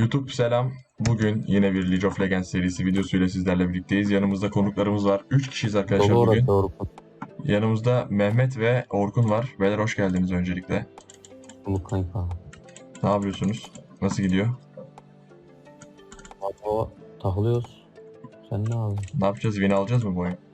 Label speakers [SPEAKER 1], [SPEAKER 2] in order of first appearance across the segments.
[SPEAKER 1] YouTube selam. Bugün yine bir League of Legends serisi videosuyla sizlerle birlikteyiz. Yanımızda konuklarımız var. 3 kişiyiz arkadaşlar
[SPEAKER 2] Dolu
[SPEAKER 1] bugün.
[SPEAKER 2] orası Orkun.
[SPEAKER 1] Yanımızda Mehmet ve Orkun var. Beyler hoş geldiniz öncelikle.
[SPEAKER 2] Bu kanka.
[SPEAKER 1] Ne yapıyorsunuz? Nasıl gidiyor?
[SPEAKER 2] Abi o takılıyoruz. Sen ne abi?
[SPEAKER 1] Ne yapacağız? Win alacağız mı bu oyun?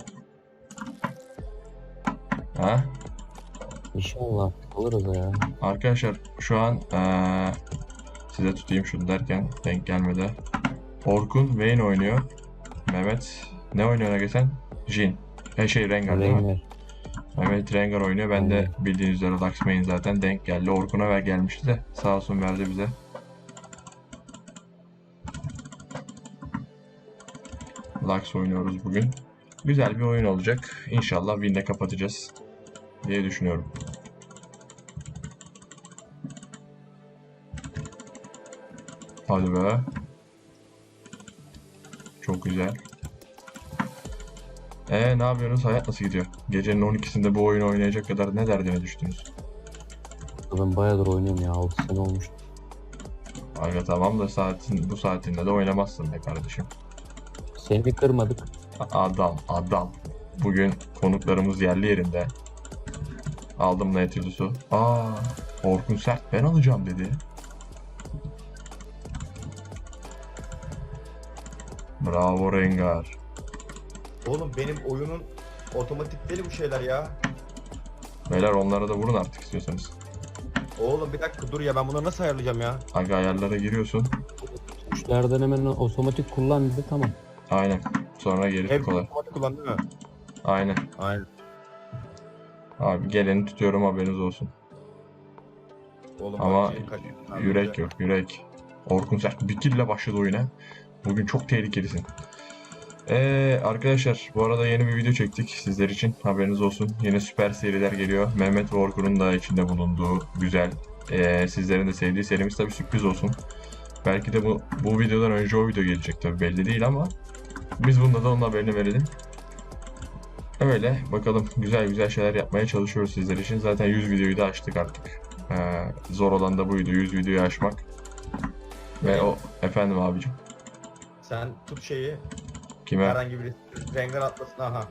[SPEAKER 1] Ha?
[SPEAKER 2] İnşallah alırız ya.
[SPEAKER 1] Arkadaşlar şu an size tutayım şunu derken denk gelmedi. Orkun Vayne oynuyor. Mehmet ne oynuyor geçen? Jhin. Rengar değil mi?
[SPEAKER 2] Rengar.
[SPEAKER 1] Mehmet Rengar oynuyor. Ben de
[SPEAKER 2] Aynen.
[SPEAKER 1] bildiğiniz üzere Lux main zaten denk geldi. Orkun'a ver gelmişti de sağ olsun verdi bize. Lux oynuyoruz bugün. Güzel bir oyun olacak. İnşallah win'de kapatacağız diye düşünüyorum. Hadi be. Çok güzel. Ne yapıyorsunuz? Hayat nasıl gidiyor? Gecenin 12'sinde bu oyunu oynayacak kadar ne derdine düştünüz?
[SPEAKER 2] Ben bayağıdır oynuyorum ya. 6 sene olmuş.
[SPEAKER 1] Aga tamam da bu saatinde de oynamazsın be kardeşim.
[SPEAKER 2] Seni kırmadık.
[SPEAKER 1] Adam. Bugün konuklarımız yerli yerinde. Aldım Nautilus'u. Orkun sert ben alacağım dedi. Bravo Rengar.
[SPEAKER 3] Oğlum benim oyunun otomatikleri bu şeyler ya.
[SPEAKER 1] Beyler onlara da vurun artık istiyorsanız.
[SPEAKER 3] Oğlum bir dakika dur ya, ben bunları nasıl ayarlayacağım ya?
[SPEAKER 1] Aga ayarlara giriyorsun.
[SPEAKER 2] Tuşlardan hemen otomatik kullan dedi, tamam.
[SPEAKER 1] Aynen. Sonra geri
[SPEAKER 3] Hep
[SPEAKER 1] kolay.
[SPEAKER 3] otomatik kullan değil mi?
[SPEAKER 1] Aynen.
[SPEAKER 3] Aynen.
[SPEAKER 1] Abi geleni tutuyorum haberiniz olsun.
[SPEAKER 3] Oğlum
[SPEAKER 1] Ama
[SPEAKER 3] bak, kaç-
[SPEAKER 1] yürek yok yürek. Orkun sert bir kille başladı oyuna. Bugün çok tehlikelisin. Arkadaşlar bu arada yeni bir video çektik sizler için haberiniz olsun. Yine süper seriler geliyor. Mehmet ve Orkun'un da içinde bulunduğu güzel sizlerin de sevdiği serimiz tabi sürpriz olsun. Belki de bu videodan önce o video gelecek tabi belli değil ama biz bunda da onun haberini verelim. Öyle bakalım güzel şeyler yapmaya çalışıyoruz sizler için. Zaten 100 videoyu da açtık artık. Zor olan da buydu 100 videoyu aşmak. Ve o efendim abicim.
[SPEAKER 3] Sen tut şeyi,
[SPEAKER 1] Kime?
[SPEAKER 3] herhangi bir Rengar atlasın, aha.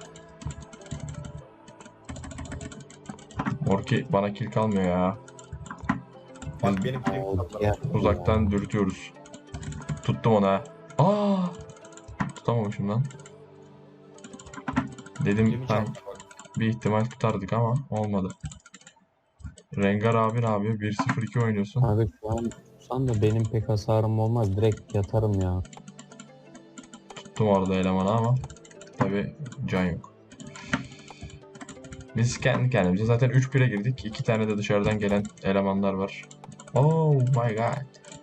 [SPEAKER 1] Orki bana kill kalmıyor ya.
[SPEAKER 3] Bak benim film
[SPEAKER 2] Ya,
[SPEAKER 1] Uzaktan dürtüyoruz. Tuttum ona. Tutamamışım lan. Dedim ben bir ihtimal tutardık ama olmadı. Rengar abi ne yapıyor? 1-0-2 oynuyorsun.
[SPEAKER 2] abi şu an tutsan da benim pek hasarım olmaz. Direkt yatarım ya.
[SPEAKER 1] Tuttum orada elemanı ama tabi can yok. Biz kendi kendimize zaten 3-1'e girdik. 2 tane de dışarıdan gelen elemanlar var. Oh my god.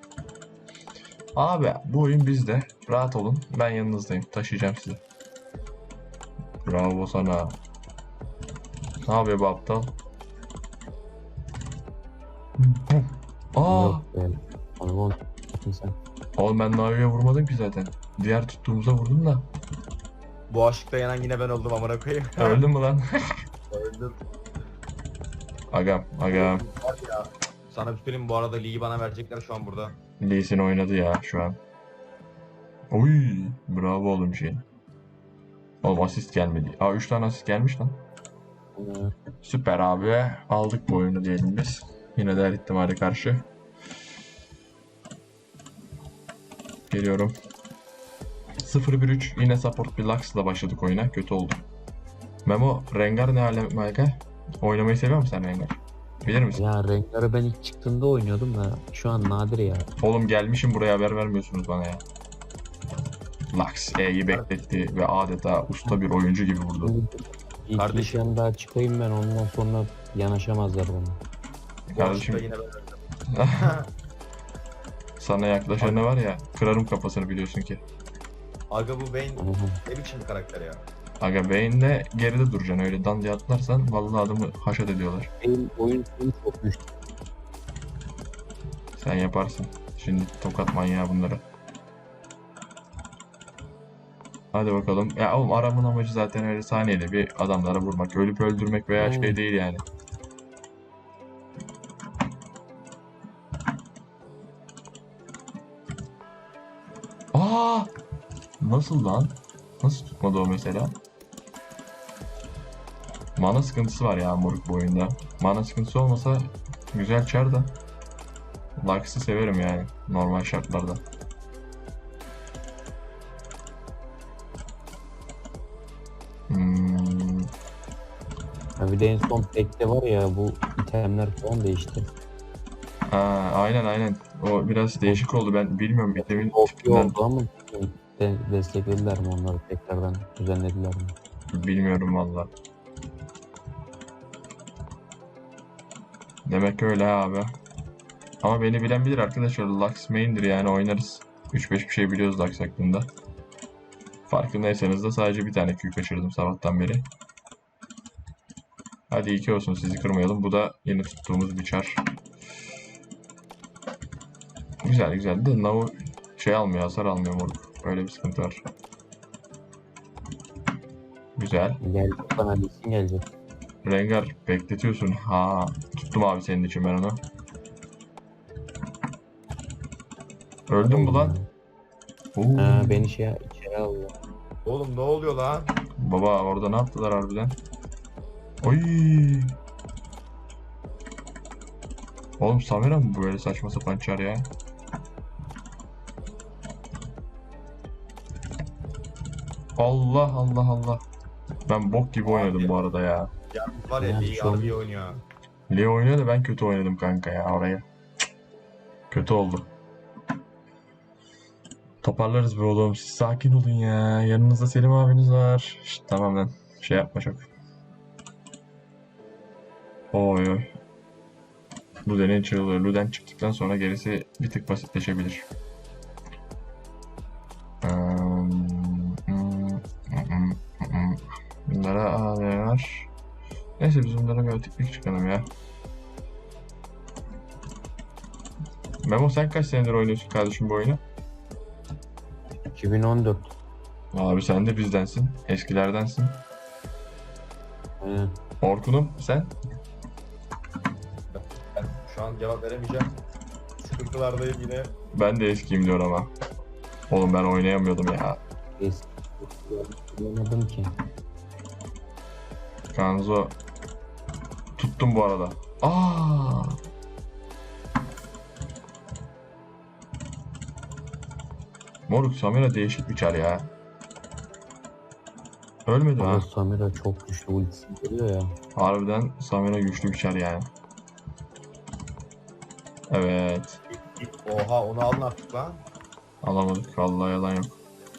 [SPEAKER 1] Abi bu oyun bizde. Rahat olun. Ben yanınızdayım. Taşıyacağım sizi. Bravo sana. Ne yapıyor bu aptal?
[SPEAKER 2] Yok be. Abi onu tutun sen.
[SPEAKER 1] Oğlum ben Navi'ye vurmadım ki zaten. Diğer tuttuğumuza vurdum da.
[SPEAKER 3] Bu aşkta yanan yine ben oldum, amına koyayım.
[SPEAKER 1] Öldün mü lan?
[SPEAKER 3] Öldüm.
[SPEAKER 1] Agam.
[SPEAKER 3] Var ya. Sana bir söyleyeyim, bu arada ligi bana verecekler şu an burada.
[SPEAKER 1] Lee Sin oynadı ya şu an. Oy, bravo oğlum şey. Oğlum asist gelmedi. 3 tane asist gelmiş lan. Süper abi. Aldık bu oyunu diyelim biz. Yine de her ihtimale karşı. Geliyorum. 0-1-3 yine support bir Lux'la başladık oyuna. Kötü oldu. Memo, Rengar ne alem Malka? Oynamayı seviyor musun sen Rengar? Bilir misin?
[SPEAKER 2] Ya Rengar'ı ben ilk çıktığında oynuyordum da şu an nadir ya.
[SPEAKER 1] Oğlum gelmişim buraya haber vermiyorsunuz bana ya. Lux E'yi bekletti ve adeta usta bir oyuncu gibi vurdu.
[SPEAKER 2] İlk
[SPEAKER 3] Kardeşim.
[SPEAKER 2] işten daha çıkayım ben, ondan sonra yanaşamazlar bana.
[SPEAKER 3] Bu
[SPEAKER 1] Kardeşim.
[SPEAKER 3] aşkta yine ben öldüm.
[SPEAKER 1] Sana yaklaşan ne var ya, kırarım kafasını biliyorsun ki.
[SPEAKER 3] Aga bu Vayne ne biçim bir karakter ya.
[SPEAKER 1] Aga Vayne'le geride duracaksın, öyle dan diye atlarsan vallahi adamı haşat ediyorlar.
[SPEAKER 2] Benim oyun sonu çok düştü.
[SPEAKER 1] Sen yaparsın. Şimdi tokat manyağı bunları. Hadi bakalım. Ya oğlum aramın amacı zaten öyle saniyede bir adamlara vurmak. Ölüp öldürmek veya şey değil yani. Aa! Nasıl lan? Nasıl tutmadı o mesela? Mana sıkıntısı var ya moruk bu oyunda. Mana sıkıntısı olmasa güzel çar da. Lux'ı severim yani normal şartlarda. Hmm,
[SPEAKER 2] Ya bir de en son pekte var ya bu itemler falan değişti.
[SPEAKER 1] aynen. O biraz değişik oldu. Ben bilmiyorum itemin
[SPEAKER 2] OP
[SPEAKER 1] tipinden
[SPEAKER 2] oldu ama desteklediler mi onları tekrardan düzenlediler mi?
[SPEAKER 1] bilmiyorum valla. Demek öyle abi. Ama beni bilen bilir arkadaşlar. Lux main'dir yani oynarız. 3-5 bir şey biliyoruz Lux hakkında. Farkındaysanız da sadece bir tane Q kaçırdım sabahtan beri. Hadi 2 olsun sizi kırmayalım. Bu da yeni tuttuğumuz bir çar. Güzel de Nao şey almıyor, hasar almıyor moruk. Öyle bir sıkıntı var. Güzel.
[SPEAKER 2] Gelecek bana Lisin gelecek.
[SPEAKER 1] Rengar bekletiyorsun. Ha, tuttum abi senin için ben onu. Öldün mü
[SPEAKER 2] Oldum
[SPEAKER 1] lan?
[SPEAKER 2] ya.
[SPEAKER 1] Oo.
[SPEAKER 2] Ha, beni içeri aldı.
[SPEAKER 3] Oğlum ne oluyor lan?
[SPEAKER 1] Baba orada ne yaptılar harbiden? Oy. Oğlum Samira mı böyle saçma sapan çar ya? Allah. Ben bok gibi oynadım
[SPEAKER 3] Abi.
[SPEAKER 1] bu arada ya.
[SPEAKER 3] Yalnız var ya
[SPEAKER 2] Yani
[SPEAKER 3] Lee
[SPEAKER 2] şu an-
[SPEAKER 3] harbi iyi oynuyor.
[SPEAKER 1] Leo oynuyor da ben kötü oynadım kanka ya oraya. Kötü oldu. Toparlarız be oğlum. Siz sakin olun ya. Yanınızda Selim abiniz var. Şşt, tamam lan. Şey yapma çok. Oy. Luden'in çığlığı. Luden çıktıktan sonra gerisi bir tık basitleşebilir. Bunlara AD var. Neyse biz bunlara bir öteklik çıkalım ya. Memo sen kaç senedir oynuyorsun kardeşim bu oyunu?
[SPEAKER 2] 2014.
[SPEAKER 1] Abi sen de bizdensin. Eskilerdensin.
[SPEAKER 2] Aynen.
[SPEAKER 1] Orkun'um sen?
[SPEAKER 3] Ben şu an cevap veremeyeceğim. Sıkıntılardayım yine.
[SPEAKER 1] Ben de eskiyim diyor ama. Oğlum ben oynayamıyordum ya.
[SPEAKER 2] Eski. Bulamadım ki.
[SPEAKER 1] Kanzo. Tuttum bu arada. Aa! Moruk Samira değişik bir çar ya. Ölmedi
[SPEAKER 2] Ama
[SPEAKER 1] ha.
[SPEAKER 2] Samira çok güçlü ultisi geliyor ya.
[SPEAKER 1] Harbiden Samira güçlü bir çar yani. Evet.
[SPEAKER 3] Oha onu alın artık lan.
[SPEAKER 1] Alamadık. Vallahi yalan yok.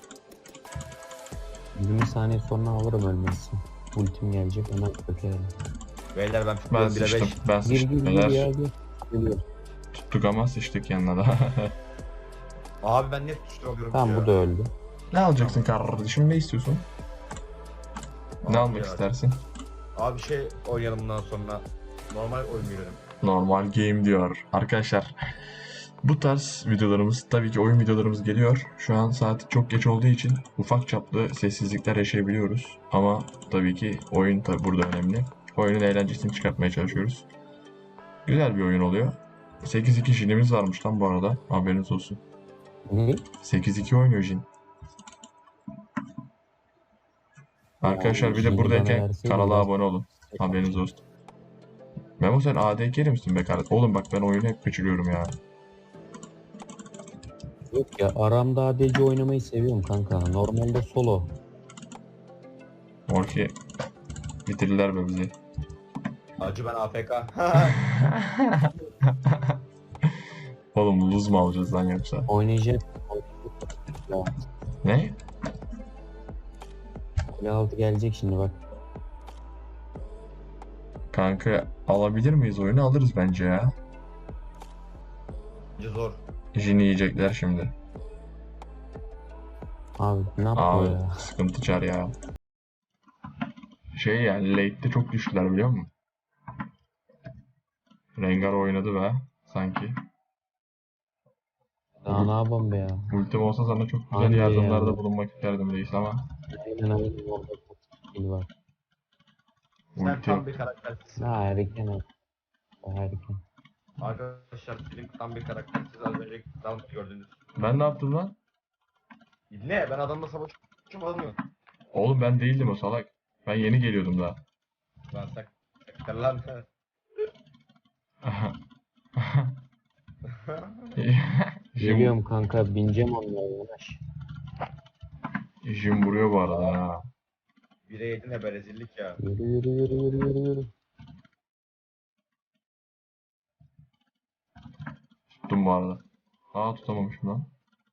[SPEAKER 2] 20 saniye sonra alırım ölmezsin. Ultim gelecek hemen çökerim.
[SPEAKER 3] Beyler ben
[SPEAKER 1] Ben
[SPEAKER 3] tutmuyorum 1'e
[SPEAKER 1] sıçtım.
[SPEAKER 3] 5.
[SPEAKER 1] Ben
[SPEAKER 2] Gir
[SPEAKER 1] sıçtım.
[SPEAKER 2] gir gir
[SPEAKER 1] Neler
[SPEAKER 2] ya gir. Geliyor.
[SPEAKER 1] tuttuk ama sıçtık yanına da.
[SPEAKER 3] Abi ben net tuştur alıyorum
[SPEAKER 2] Tamam
[SPEAKER 3] ya.
[SPEAKER 2] bu da öldü.
[SPEAKER 1] Ne alacaksın kardeşim? Ne istiyorsun? Ne
[SPEAKER 3] Abi
[SPEAKER 1] almak
[SPEAKER 3] ya.
[SPEAKER 1] istersin?
[SPEAKER 3] Abi şey oynayalım bundan sonra. Normal oyun girelim.
[SPEAKER 1] Normal game diyor. Arkadaşlar bu tarz videolarımız tabii ki oyun videolarımız geliyor. Şu an saat çok geç olduğu için ufak çaplı sessizlikler yaşayabiliyoruz. Ama tabii ki oyun tabii burada önemli. Oyunun eğlencesini çıkartmaya çalışıyoruz. Güzel bir oyun oluyor. 8-2 Jin'imiz varmış lan bu arada. Haberiniz olsun.
[SPEAKER 2] Ne?
[SPEAKER 1] 8-2 oynuyor Jin. Arkadaşlar bir de
[SPEAKER 2] Jin'i bana
[SPEAKER 1] buradayken
[SPEAKER 2] verseydin
[SPEAKER 1] kanala
[SPEAKER 2] biraz-
[SPEAKER 1] abone olun. Haberiniz olsun. Memo sen ADK'li misin be kardeşim? Oğlum bak ben oyunu hep kaçırıyorum ya.
[SPEAKER 2] Yok ya aramda ADC oynamayı seviyorum kanka. Normalde solo.
[SPEAKER 1] Orki bitirirler be bizi.
[SPEAKER 3] Acı ben AFK.
[SPEAKER 1] Oğlum luz mu alacağız lan yoksa?
[SPEAKER 2] Oynayacak. Ya,
[SPEAKER 1] Ne?
[SPEAKER 2] kule altı gelecek şimdi bak.
[SPEAKER 1] Kanka alabilir miyiz oyunu? Alırız bence ya.
[SPEAKER 3] Acı zor.
[SPEAKER 1] Jin'i yiyecekler şimdi.
[SPEAKER 2] Abi ne yapıyor
[SPEAKER 1] Abi
[SPEAKER 2] ya?
[SPEAKER 1] sıkıntı çar ya. Şey yani late'de çok düştüler biliyor musun? Rengar oynadı be sanki.
[SPEAKER 2] Daha ne yapalım be ya?
[SPEAKER 1] Ultim olsa sana çok güzel
[SPEAKER 2] Anca
[SPEAKER 1] yardımlarda
[SPEAKER 2] ya.
[SPEAKER 1] bulunmak isterdim reis ama
[SPEAKER 2] Aynen orada çok skill var.
[SPEAKER 3] Sen
[SPEAKER 1] ulti
[SPEAKER 3] tam
[SPEAKER 1] yok.
[SPEAKER 3] bir karaktersin.
[SPEAKER 2] Ha erken abi. Erken.
[SPEAKER 3] Arkadaşlar Flink tam bir karaktersiz az önce tam gördünüz.
[SPEAKER 1] Ben ne yaptım lan?
[SPEAKER 3] Ne? Ben adamla savaşmadım mı?
[SPEAKER 1] Oğlum ben değildim o salak. Ben yeni geliyordum daha.
[SPEAKER 3] Lan saklar lan.
[SPEAKER 1] Jim,
[SPEAKER 2] Geliyorum kanka bineceğim onlara yanaş.
[SPEAKER 1] Jim vuruyor bu arada ha.
[SPEAKER 3] 1'e 7 ne be rezillik ya.
[SPEAKER 2] Yürü yürü yürü yürü yürü yürü.
[SPEAKER 1] Tuttum bu arada. Aa tutamamışım lan.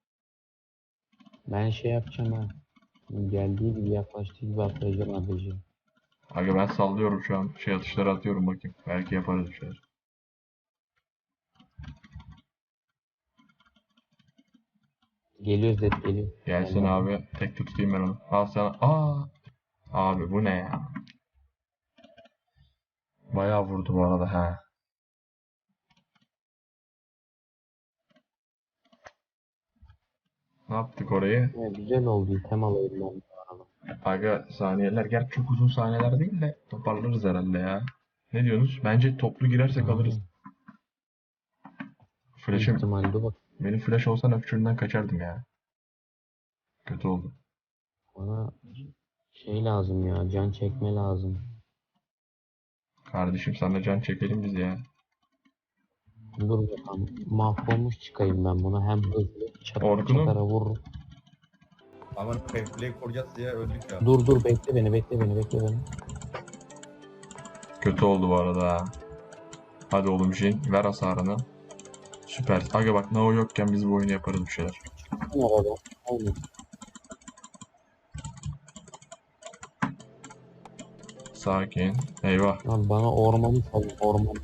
[SPEAKER 2] Ben şey yapacağım ha. Geldiği gibi yaklaştığı gibi atlayacağım ADC.
[SPEAKER 1] Aga ben sallıyorum şu an. Şey atışları atıyorum bakayım. Belki yaparız bir şeyler.
[SPEAKER 2] Geliyor Zed geliyor.
[SPEAKER 1] Gelsin
[SPEAKER 2] Allah.
[SPEAKER 1] abi. Tek tutayım ben onu. Al sana. Aa. Abi bu ne ya? Bayağı vurdu bu arada ha. Ne yaptık orayı?
[SPEAKER 2] Ya, güzel oldu item alayım ben bu arada.
[SPEAKER 1] Aga saniyeler. Gerçi çok uzun saniyeler değil de toparlarız herhalde ya. Ne diyorsunuz? Bence toplu girersek alırız. Flash'ım.
[SPEAKER 2] İhtimalle bak
[SPEAKER 1] Benim flash olsa öpçüğünden kaçardım ya. Kötü oldu.
[SPEAKER 2] bana şey lazım ya can çekme lazım.
[SPEAKER 1] Kardeşim sana can çekelim biz ya.
[SPEAKER 2] Dur bakalım mahvolmuş çıkayım ben buna hem hızlı çatara
[SPEAKER 1] Orkun'um.
[SPEAKER 2] çatara vururum.
[SPEAKER 3] Aman fairplay koruyacağız diye öldük ya.
[SPEAKER 2] Dur bekle beni bekle beni.
[SPEAKER 1] Kötü oldu bu arada ha. Hadi oğlum Jin ver hasarını. Süper. Aga bak Nao yokken biz bu oyunu yaparız bir şeyler.
[SPEAKER 2] Ne arada? Aynen.
[SPEAKER 1] Sakin. Eyvah.
[SPEAKER 2] Lan bana ormanı salın orman.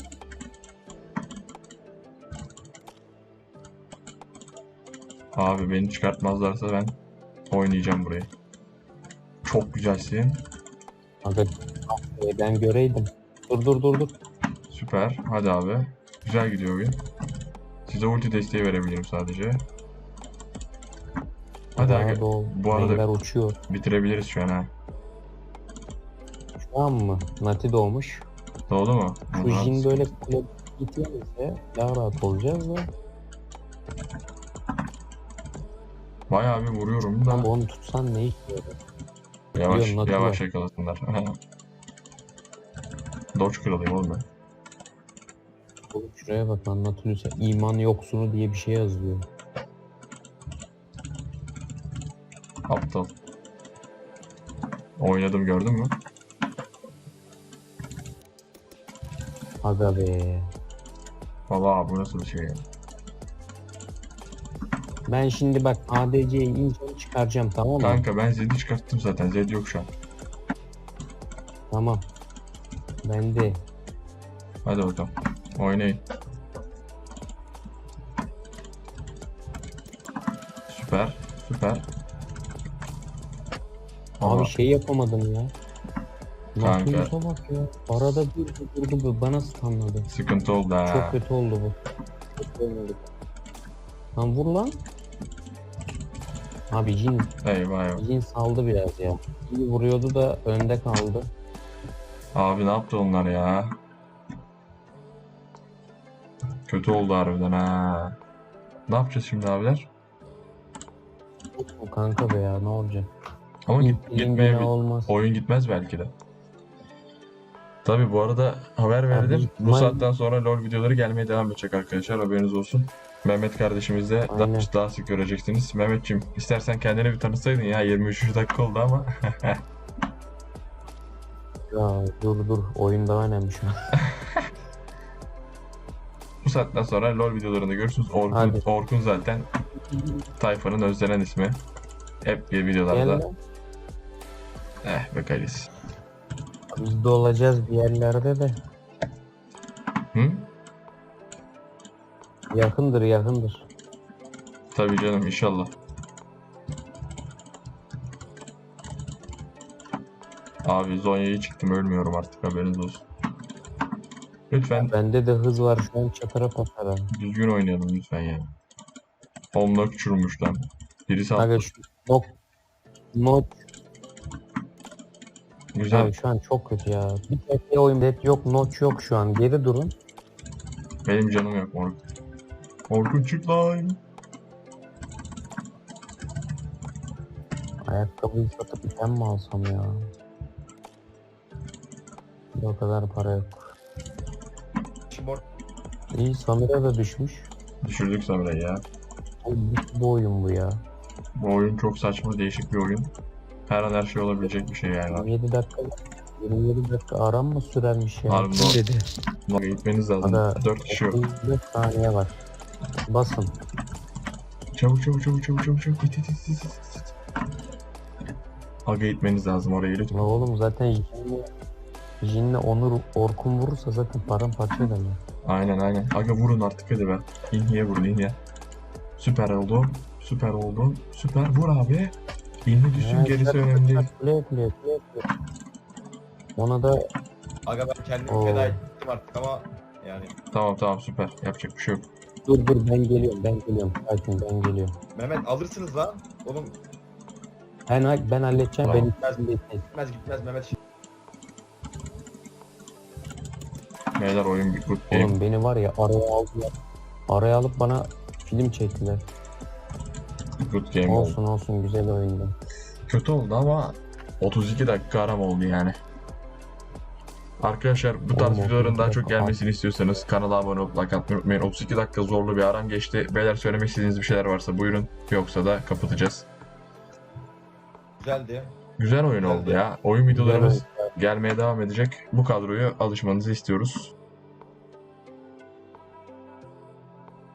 [SPEAKER 1] Abi beni çıkartmazlarsa ben oynayacağım burayı. Çok güzelsin.
[SPEAKER 2] Aga ben göreydim. Dur.
[SPEAKER 1] Süper. Hadi abi. Güzel gidiyor oyun. Size ulti desteği verebilirim sadece. Hadi aga. Bu arada
[SPEAKER 2] Rengler uçuyor.
[SPEAKER 1] bitirebiliriz şu an ha.
[SPEAKER 2] Şu an mı? Nati doğmuş.
[SPEAKER 1] Doğru mu?
[SPEAKER 2] Şu
[SPEAKER 1] Aha,
[SPEAKER 2] Jin böyle kule gitmemizse daha rahat olacağız da.
[SPEAKER 1] bayağı bir vuruyorum da.
[SPEAKER 2] Ama onu tutsan ne iş yarar?
[SPEAKER 1] Yavaş
[SPEAKER 2] Biliyorum, Nati
[SPEAKER 1] yavaş
[SPEAKER 2] var.
[SPEAKER 1] yakalasınlar. Dodge kralıyım oğlum ben.
[SPEAKER 2] Oğlum şuraya bak anlatılıyorsa iman yoksunu diye bir şey yazıyor.
[SPEAKER 1] Aptal. Oynadım gördün mü?
[SPEAKER 2] Aga be.
[SPEAKER 1] Valla bu nasıl bir şey ya?
[SPEAKER 2] Ben şimdi bak ADC'yi ineceğim çıkaracağım tamam mı?
[SPEAKER 1] Kanka ben Zed'i çıkarttım zaten. Zed yok şu an.
[SPEAKER 2] Tamam. Ben de.
[SPEAKER 1] Hadi bakalım. Oynayın. Süper. Süper.
[SPEAKER 2] Abi
[SPEAKER 1] Ama
[SPEAKER 2] şey yapamadım ya.
[SPEAKER 1] Kanka.
[SPEAKER 2] Nautilus'a bak ya. Arada durdu bana stunladı.
[SPEAKER 1] sıkıntı oldu ha.
[SPEAKER 2] Çok kötü oldu bu. Kötü oynadık. Lan vur lan. Abi
[SPEAKER 1] Eyvah eyvah.
[SPEAKER 2] Jin saldı biraz ya. İyi vuruyordu da önde kaldı.
[SPEAKER 1] Abi ne yaptı onlar ya? Kötü oldu harbiden ha. Ne yapacağız şimdi abiler?
[SPEAKER 2] O kanka be ya ne olacak?
[SPEAKER 1] Ama gitmeye
[SPEAKER 2] olmaz.
[SPEAKER 1] oyun gitmez belki de. Tabi bu arada haber verdim. Bu
[SPEAKER 2] ihtimal-
[SPEAKER 1] saatten sonra LoL videoları gelmeye devam edecek arkadaşlar. Haberiniz olsun. Mehmet kardeşimiz de
[SPEAKER 2] Aynen.
[SPEAKER 1] daha sık göreceksiniz. Mehmetciğim istersen kendini bir tanıtsaydın ya 23. dakika oldu ama.
[SPEAKER 2] Ya dur oyun daha önemli şu an.
[SPEAKER 1] Bu saatten sonra LoL videolarında görürsünüz.
[SPEAKER 2] Hadi.
[SPEAKER 1] Orkun zaten tayfanın özlenen ismi. Hep bir videolarda.
[SPEAKER 2] Gel lan.
[SPEAKER 1] Be kalis.
[SPEAKER 2] Biz de olacağız bir yerlerde de.
[SPEAKER 1] Hı?
[SPEAKER 2] Yakındır.
[SPEAKER 1] Tabii canım inşallah. Abi Zonya'yı çıktım ölmüyorum artık haberiniz olsun. Lütfen
[SPEAKER 2] Bende de hız var şu an çatara patara.
[SPEAKER 1] düzgün oynayalım lütfen ya. Onunla küçülmüş lan. Birisi
[SPEAKER 2] Aga
[SPEAKER 1] attı.
[SPEAKER 2] şu not
[SPEAKER 1] Güzel.
[SPEAKER 2] abi şu an çok kötü ya. Bir tek oyun net yok, notch yok şu an. Geri durun.
[SPEAKER 1] Benim canım yok Orkun. Orkun çık lan.
[SPEAKER 2] Ayakkabıyı satıp item mi alsam ya? O kadar para yok.
[SPEAKER 3] Şimdi
[SPEAKER 2] İyi, Samira da düşmüş.
[SPEAKER 1] Düşürdük Samira'yı ya.
[SPEAKER 2] Bu oyun bu ya.
[SPEAKER 1] Bu oyun çok saçma, değişik bir oyun. Her an her şey olabilecek bir şey yani.
[SPEAKER 2] 27 dakika 27 dakika aram mı sürermiş ya?
[SPEAKER 1] Harbi
[SPEAKER 2] Kim
[SPEAKER 1] doğru.
[SPEAKER 2] dedi?
[SPEAKER 1] Aga gitmeniz lazım.
[SPEAKER 2] Ada
[SPEAKER 1] 4 kişi yok.
[SPEAKER 2] 34 saniye var. Basın.
[SPEAKER 1] Çabuk çabuk çabuk çabuk çabuk çabuk. İt. Aga gitmeniz lazım oraya lütfen.
[SPEAKER 2] La oğlum zaten Jin'le Onur Orkun vurursa zaten paramparça ederler.
[SPEAKER 1] Aynen. Aga vurun artık hadi be. İnhiye vurun inhiye. Süper oldu. Süper. Vur abi. İnhi düşsün, gerisi önemli değil.
[SPEAKER 2] Play. Ona da
[SPEAKER 3] aga ben kendimi
[SPEAKER 2] Oo.
[SPEAKER 3] feda ettim artık ama yani.
[SPEAKER 1] Tamam süper. Yapacak bir şey yok.
[SPEAKER 2] dur ben geliyorum. Sakin, ben geliyorum.
[SPEAKER 3] Mehmet alırsınız lan. Oğlum
[SPEAKER 2] Ben halledeceğim.
[SPEAKER 1] Tamam.
[SPEAKER 2] Ben
[SPEAKER 3] gitmez Mehmet.
[SPEAKER 1] Beyler oyun bir good game.
[SPEAKER 2] Oğlum beni var ya araya aldılar. Araya alıp bana film çektiler.
[SPEAKER 1] Good game oldu.
[SPEAKER 2] Olsun güzel oyundu.
[SPEAKER 1] Kötü oldu ama 32 dakika aram oldu yani. Arkadaşlar bu tarz
[SPEAKER 2] Oğlum,
[SPEAKER 1] videoların daha
[SPEAKER 2] 32
[SPEAKER 1] çok
[SPEAKER 2] dakika
[SPEAKER 1] gelmesini istiyorsanız kanala abone olup like atmayı unutmayın. 32 dakika zorlu bir aram geçti. Beyler söylemek istediğiniz bir şeyler varsa buyurun. Yoksa da kapatacağız.
[SPEAKER 3] Güzeldi.
[SPEAKER 1] Güzel oyun
[SPEAKER 3] Güzeldi.
[SPEAKER 1] oldu ya. Oyun videolarımız
[SPEAKER 2] Güzel
[SPEAKER 1] gelmeye devam edecek. Bu kadroyu alışmanızı istiyoruz.